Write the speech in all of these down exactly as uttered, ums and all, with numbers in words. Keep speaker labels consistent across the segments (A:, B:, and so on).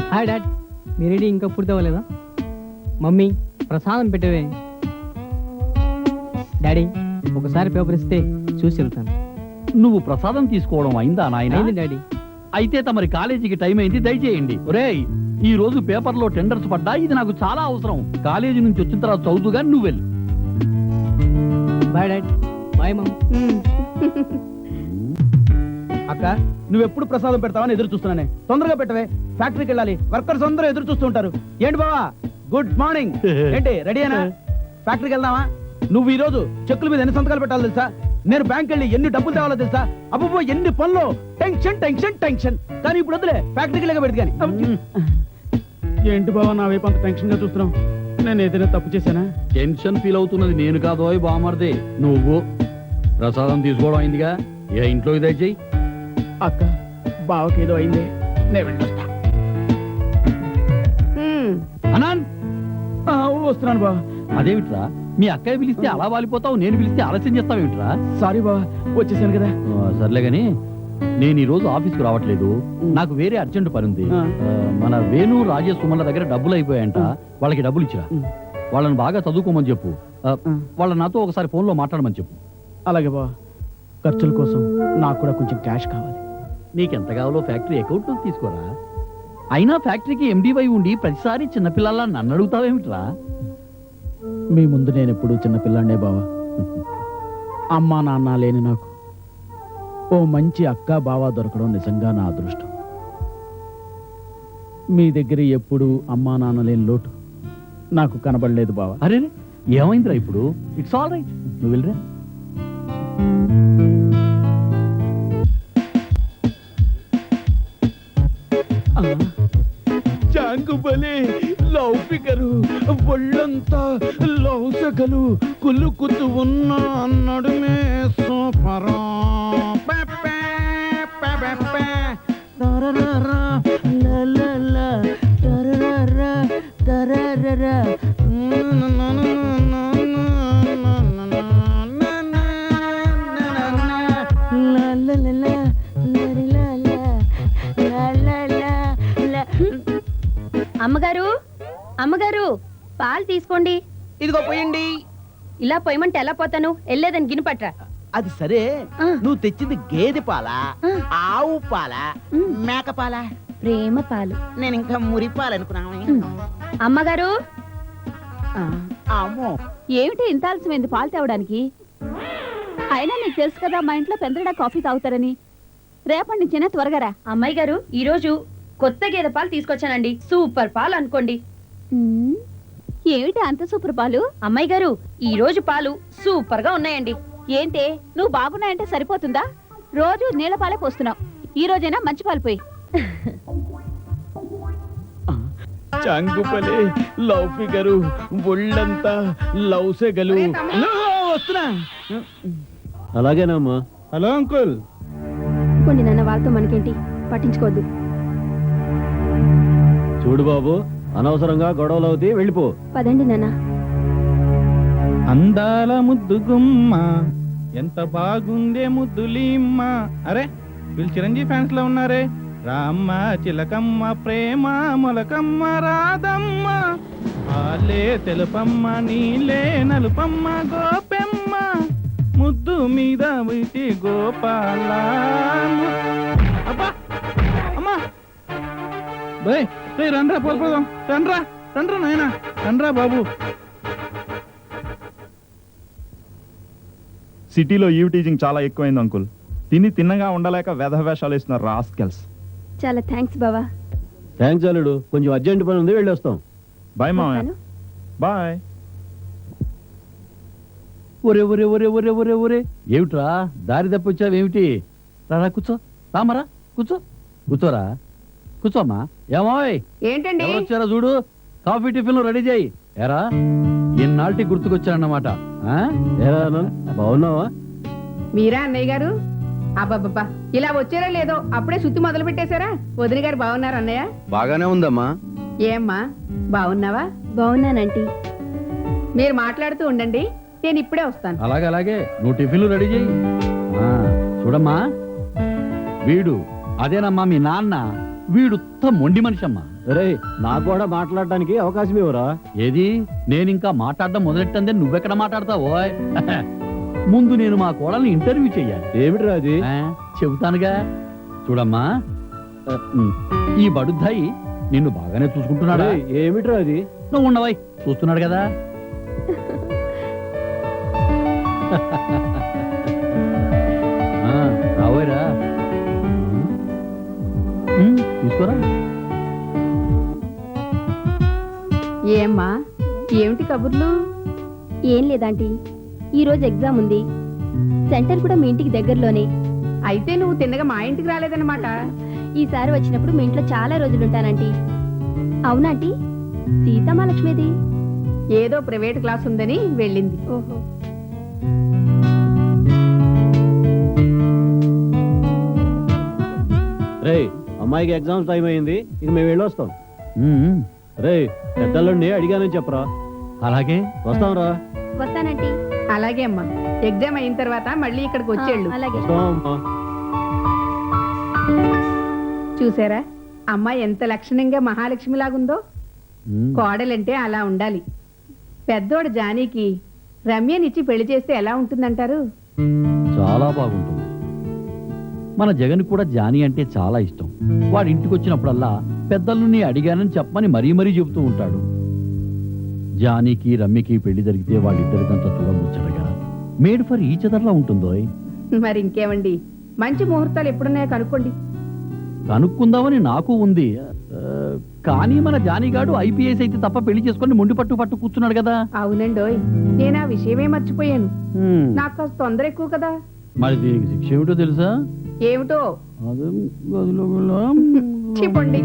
A: Hi dad, మీ ready ఇంకా పూర్తి అవ్వలేదా? మమ్మీ ప్రసాదం పెట్టవే. డాడీ ఒకసారి పేపర్ ఇస్తే చూసి వెళ్తాను.
B: నువ్వు ప్రసాదం తీసుకోవడం అయిందా నాయన?
A: అయింది డాడీ.
B: అయితే తమరి కాలేజీకి టైం అయింది, దయచేయండి. ఒరేయ్, ఈ రోజు పేపర్లో టెండర్స్ పడ్డా, ఇది నాకు చాలా అవసరం. కాలేజీ నుంచి వచ్చిన తర్వాత చదువుగా నువ్వు వెళ్ళు.
A: Bye dad. Bye mum.
C: అక్క, నువ్వెప్పుడు ప్రసాదం పెడతావని ఎదురు చూస్తున్నానే. తొందరగా పెట్టవే, ఫ్యాక్టరీకి వెళ్ళాలి. వర్కర్స్ అందరూ ఎదురు చూస్తూ ఉంటారు. ఏంటి బావా, గుడ్ మార్నింగ్. ఏంటి రెడీనా? ఫ్యాక్టరీకి వెళ్దామా? నువ్వు ఈ రోజు చెక్కుల మీద ఎన్ని సంతకాలు పెట్టాలో తెలుసా? నేను బ్యాంక్ వెళ్ళి ఎన్ని డబ్బులు తేవాలో తెలుసా? అబ్బో ఎన్ని పనులు, టెన్షన్ టెన్షన్ టెన్షన్. కానీ ఇప్పుడు వద్దులే, ఫ్యాక్టరీకి వెళ్ళక పెడదు. కానీ ఏంటి బావా నా వైపు అంత టెన్షన్ గా చూస్తున్నావు? నేను ఏదైనా తప్పు చేశానా?
B: టెన్షన్ ఫీల్ అవుతున్నది నేను కాదు, బామర్దే నువ్వు. ప్రసాదం తీసుకోవడం అయిందిగా, ఏ ఇంట్లోకి దయచేయి.
C: అక్క, బావకి ఏదో అయింది, నేను వెళ్ళొస్తా.
B: అనాన్,
C: వస్తున్నాను బావ.
B: అదేమిట్రా, మీ అక్కయ్య పిలిస్తే అలా వాలిపోతావు, నేను పిలిస్తే ఆలస్యం చేస్తావేమిట్రా?
C: సారీ బావ, వచ్చేసాను కదా.
B: సర్లే గాని, నేను ఈ రోజు ఆఫీస్కి రావట్లేదు. నాకు వేరే అర్జెంట్ పని ఉంది. మన వేణు రాజేష్ సుమన్ల దగ్గర డబ్బులు అయిపోయాయంట. వాళ్ళకి డబ్బులు ఇచ్చిరా. వాళ్ళని బాగా చదువుకోమని చెప్పు. వాళ్ళ నాతో ఒకసారి ఫోన్లో మాట్లాడమని చెప్పు.
C: అలాగే బావ, ఖర్చుల కోసం నాకు కూడా కొంచెం క్యాష్ కావాలి.
B: నీకెంత కావాలో ఫ్యాక్టరీ అకౌంట్లో తీసుకోరా. అయినా ఫ్యాక్టరీకి ఎండీవై ఉండి ప్రతిసారి చిన్నపిల్లల్లా నన్ను అడుగుతావేమిట్రా?
C: మీ ముందు నేను ఎప్పుడు చిన్నపిల్లాండే బావా. అమ్మా నాన్న లేని నాకు ఓ మంచి అక్క బావ దొరకడం నిజంగా నా అదృష్టం. మీ దగ్గర ఎప్పుడు అమ్మా నాన్న లేని లోటు నాకు కనబడలేదు బావా.
B: అరే, ఏమైందిరా ఇప్పుడు? ఇట్స్ ఆల్ రైట్, నువ్వు వెళ్ళరా.
C: చాంగుబలే లవ్ ఫిగరు, ఒళ్ళంతా లవ్ సగలు, కులుకుతూ ఉన్న నడుమే సూపరా.
D: అమ్మగారు, అమ్మగారు, పాలు తీసుకోండి.
E: ఇదిగో పోయండి.
D: ఇలా పోయమంటే ఎలా పోతాను? వెళ్ళేదని గిన్నె పట్రా.
E: అది సరే,
D: ఆ.
E: నువ్వు తెచ్చింది గేదె పాలా,
D: ఆ.
E: ఆవు పాలా,
D: ఉమ్.
E: మేక పాలా?
D: ప్రేమ పాలు.
E: నేను ఇంకా మురి పాలు అనుకున్నాను.
D: ఉమ్. అమ్మగారు,
E: అమ్మో,
F: ఏమిటి ఇంత ఆలస్యమైంది పాలు తేవడానికి? అయినా నీకు తెలుసు కదా మా ఇంట్లో పెందడా కాఫీ తాగుతారని. రేపటి నుంచైనా త్వరగా రా.
D: అమ్మాయి గారు, ఈ రోజు కొత్త గేదె పాలు తీసుకొచ్చానండి. సూపర్ పాలు అనుకోండి.
F: ఉమ్, ఏమిటి అంత సూపర్ పాలు?
D: అమ్మాయి గారు, ఈ రోజు పాలు సూపర్ గా ఉన్నాయండి.
F: ఏంటే నువ్వు బాగున్నాయంటే సరిపోతుందా? రోజు నీళ్ళ పాలే పోస్తున్నావు. ఈ రోజైనా మంచి పాలు పోయి.
C: చాంగుబలే లవ్ ఫిగరు, ఒళ్ళంతా లవ్ సెగలు. వస్తున్నా.
B: అలాగేనమ్మా.
C: Hello uncle.
D: కొన్ని నాన్న, వాళ్ళతో మనకేంటి, పట్టించుకోవద్దు.
B: చూడు బాబు, అనవసరంగా గొడవలు అవుతాయి, వెళ్ళిపో.
D: పదండి నాన్న.
C: అందాల ముద్దు గుమ్మ, ఎంత బాగుందే ముద్దులీమ్మ. అరే, వీళ్ళు చిరంజీవి ఫ్యాన్స్ లో ఉన్నారే. రామ్మ చిలకమ్మ, ప్రేమ మొలకమ్మ, రాధమ్మ ఆలే తెలుపమ్మ, నీలే నలుపమ్మ, గోపెమ్మ ముద్దు మీద వీటి గోపాల. అబ్బా అమ్మా, బై రండ్రా, పోదాం. రండ్రా రండ్రా నాయన, రండ్రా బాబు.
G: సిటీలో ఈవ్ టీచింగ్ చాలా ఎక్కువైంది అంకుల్. తిని తిన్నగా ఉండలేక వేధవేషాలు వేస్తున్నారు రాస్కెల్స్.
D: చాలా థ్యాంక్స్ బావా.
B: థ్యాంక్స్ అల్లుడు, కొంచెం అర్జెంట్ పని ఉంది, వెళ్ళి వస్తాం.
G: బాయ్ మామయ్య. బాయ్.
B: ఒరే ఒరే ఒరే ఒరే ఒరే ఒరే ఏమిట్రా, దారి తప్పొచ్చావేమిటి? రా కూర్చో, రామరా కూర్చో, కూర్చోరా, కూర్చోమ్మా. ఏమోయ్,
F: ఏంటండి
B: ఎవరు వచ్చారో చూడు. కాఫీ టిఫిన్ రెడీ చేయి. ఏరా, ఎన్నాళ్ళకి గుర్తుకొచ్చానన్నమాట. బాగున్నావా?
F: మీరా అన్నయ్య గారు? అబ్బాబ్బా, ఇలా వచ్చారా లేదో అప్పుడే సుత్తి మొదలు పెట్టేశారా? వదిన గారు బాగున్నారు అన్నయ్య?
B: బాగానే ఉందమ్మా.
F: ఏమ్మా బాగున్నావా?
D: బాగున్నానంటీ.
F: మీరు మాట్లాడుతూ ఉండండి, నేను ఇప్పుడే వస్తాను.
B: అలాగే అలాగే, నువ్వు టిఫిన్లు రెడీ చేయి. చూడమ్మా, వీడు అదేనమ్మా మీ నాన్న. వీడుత్త మొండి మనిషి అమ్మా.
H: రే నాకు కూడా మాట్లాడడానికి అవకాశం ఇవ్వరా?
B: ఏది నేను ఇంకా మాట్లాడడం మొదలెట్టందే నువ్వెక్కడ మాట్లాడతావో? ముందు నేను మా కోడల్ని ఇంటర్వ్యూ చెయ్యాలి.
H: ఏమిట్రా అది?
B: ఆ, చెబుతానుగా. చూడమ్మా, ఆ, ఉమ్, ఈ బడుద్దాయి నిన్ను బాగానే చూసుకుంటున్నాడా?
H: రేయ్, ఏమిట్రా అది?
B: నువ్వు ఉండవై, చూస్తున్నాడు కదా. ఆ, రావోయరా. ఉమ్, తీసుకోరా.
F: ఏమ్మా ఏమిటి కబుర్లు? ఏం లేదంటీ, ఈ రోజు ఎగ్జామ్ ఉంది. సెంటర్ కూడా మీ ఇంటికి దగ్గరలోనే.
I: అయితే నువ్వు తిన్నగా మా ఇంటికి రాలేదన్నమాట.
F: ఈసారి వచ్చినప్పుడు మీ ఇంట్లో చాలా రోజులు ఉంటానంటీ. అవునాంటీ? సీతమాలక్ష్మిది
I: ఏదో ప్రైవేట్ క్లాస్ ఉందని వెళ్ళింది.
F: ఓహో.
H: రే అమ్మాయికి ఎగ్జామ్స్ టైం అయింది, ఇక మేము వెళ్ళొస్తాం.
B: ఉమ్,
H: రే పెద్దల్లుండి అడిగానని చెప్పరా.
B: అలాగే.
H: వస్తాంరా.
F: వస్తానంటీ.
I: అలాగే అమ్మా, ఎగ్జామ్ అయిన తర్వాత మళ్ళీ ఇక్కడికి వచ్చేళ్ళు.
F: అలాగే.
H: వస్తాం అమ్మా.
I: చూసారా అమ్మాయి ఎంత లక్షణంగా మహాలక్ష్మి లాగుందో.
B: ఉమ్.
I: కోడలంటే అలా ఉండాలి. పెద్దోడు జానీకి రమ్యనిచ్చి పెళ్లి చేస్తే ఎలా ఉంటుందంటారు?
B: చాలా బాగుంటుంది. మన జగన్ కూడా జానీ అంటే చాలా ఇష్టం. వాడి ఇంటికి వచ్చినప్పుడల్లా పెద్దల్ని అడిగానని చెప్పమని మరీ మరీ చెబుతూ ఉంటాడు. జానీకి రమ్యకి పెళ్లి జరిగితే వాళ్ళిద్దరిదంతా చూడముచ్చటగా మేడ్ ఫర్ ఈచ్ అదర్లా ఉంటుందో.
I: మరి ఇంకేమండి, మంచి ముహూర్తాలు ఎప్పుడున్నాయో కనుక్కోండి.
B: కనుక్కుందామని నాకు ఉంది. ఆ, కానీ మన జానీగాడు ఐపీఎస్ అయితే తప్ప పెళ్లి చేసుకొని మొండి పట్టు పట్టు కూర్చున్నాడు కదా.
I: అవునండోయ్, నేను ఆ విషయమే మర్చిపోయాను.
B: హ్మ్.
I: నాకు కాస్త తొందర ఎక్కువ కదా.
B: మరి దీనికి శిక్ష ఏమిటో తెలుసా?
I: ఏమిటో
B: అదే గదిలో వెళ్ళా.
I: చెప్పండి.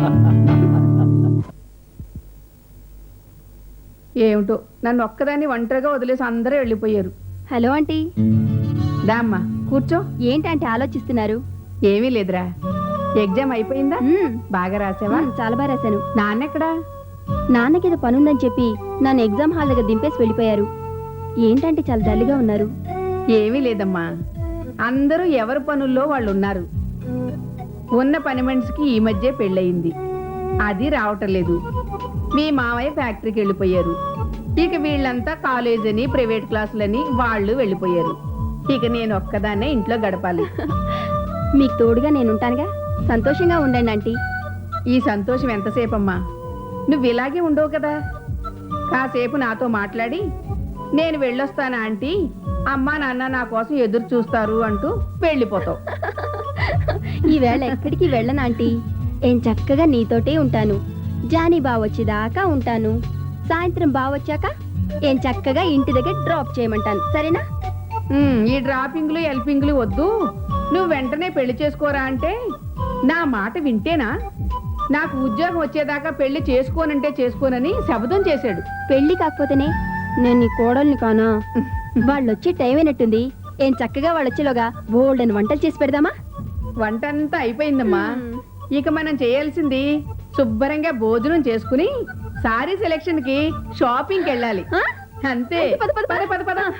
I: ఏమిటో నన్ను ఒక్కదాన్ని ఒంటరిగా వదిలేసి అందరూ వెళ్ళిపోయారు.
F: Hello aunty.
I: దామ్మా కూర్చో.
F: ఏంటంటే ఆలోచిస్తున్నారు?
I: ఏమీ లేదురా. ఎగ్జామ్ అయిపోయిందా?
F: మ్మ్.
I: బాగా రాసావా?
F: మ్మ్, చాలా బాగా రాశాను.
I: నాన్నెక్కడా?
F: నాన్నకేదో పనుందని చెప్పి నన్ను ఎగ్జామ్ హాల్ దగ్గర దింపేసి వెళ్ళిపోయారు. ఏంటంటే చాలా డల్గా ఉన్నారు.
I: ఏమీ లేదమ్మా, అందరూ ఎవరి పనుల్లో వాళ్ళు ఉన్నారు. ఉన్న పని మనిషికి ఈ మధ్య పెళ్ళయింది, అది రావటం లేదు. మీ మామయ్య ఫ్యాక్టరీకి వెళ్ళిపోయారు. ఇక వీళ్ళంతా కాలేజ్ అని ప్రైవేట్ క్లాసులని వాళ్ళు వెళ్ళిపోయారు. ఇక నేను ఒక్కదాన్నే ఇంట్లో గడపాలి.
F: మీకు తోడుగా నేను ఉంటానుగా, సంతోషంగా ఉండండి ఆంటీ.
I: ఈ సంతోషం ఎంతసేపమ్మా? నువ్వు ఇలాగే ఉండవు కదా. కాసేపు నాతో మాట్లాడి నేను వెళ్ళొస్తానా ఆంటీ, అమ్మా నాన్న నా కోసం ఎదురు చూస్తారు అంటూ వెళ్ళిపోతావు.
F: ఈవేళ ఎక్కడికి వెళ్ళను ఆంటీ. ఏం చక్కగా నీతోటే ఉంటాను. జానీ బావొచ్చేదాకా ఉంటాను. సాయంత్రం బావొచ్చాక ఏం చక్కగా ఇంటి దగ్గర డ్రాప్ చేయమంటాను, సరేనా?
I: ఉమ్, ఈ డ్రాపింగ్లు హెల్పింగ్లు వద్దు. నువ్వు వెంటనే పెళ్లి చేసుకోరా అంటే నా మాట వింటేనా? నాకు ఉద్యోగం వచ్చేదాకా పెళ్లి చేసుకోనంటే చేసుకోనని శబదం చేశాడు.
F: పెళ్లి కాకపోతేనే నేను నీ కోడల్ని కానా? వాళ్ళు వచ్చే టైం అయినట్టుంది. ఏం చక్కగా వాళ్ళు వచ్చేలోగా బోల్డ్ అని వంటలు చేసి పెడదామా?
I: వంట అంతా అయిపోయిందమ్మా. ఇక మనం చేయాల్సింది శుభ్రంగా భోజనం చేసుకుని సారీ సెలెక్షన్ కి షాపింగ్కి వెళ్ళాలి.
F: ఆ?
I: అంతే.
F: పద, పద, పద.
I: పద, పద, పద.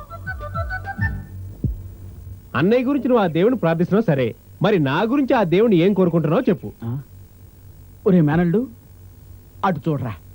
J: అన్నయ్య గురించి నువ్వు ఆ దేవుని ప్రార్థిస్తున్నావు సరే, మరి నా గురించి ఆ దేవుని ఏం కోరుకుంటున్నావు చెప్పు.
C: ఒరే మేనల్డు, అటు చూడరా.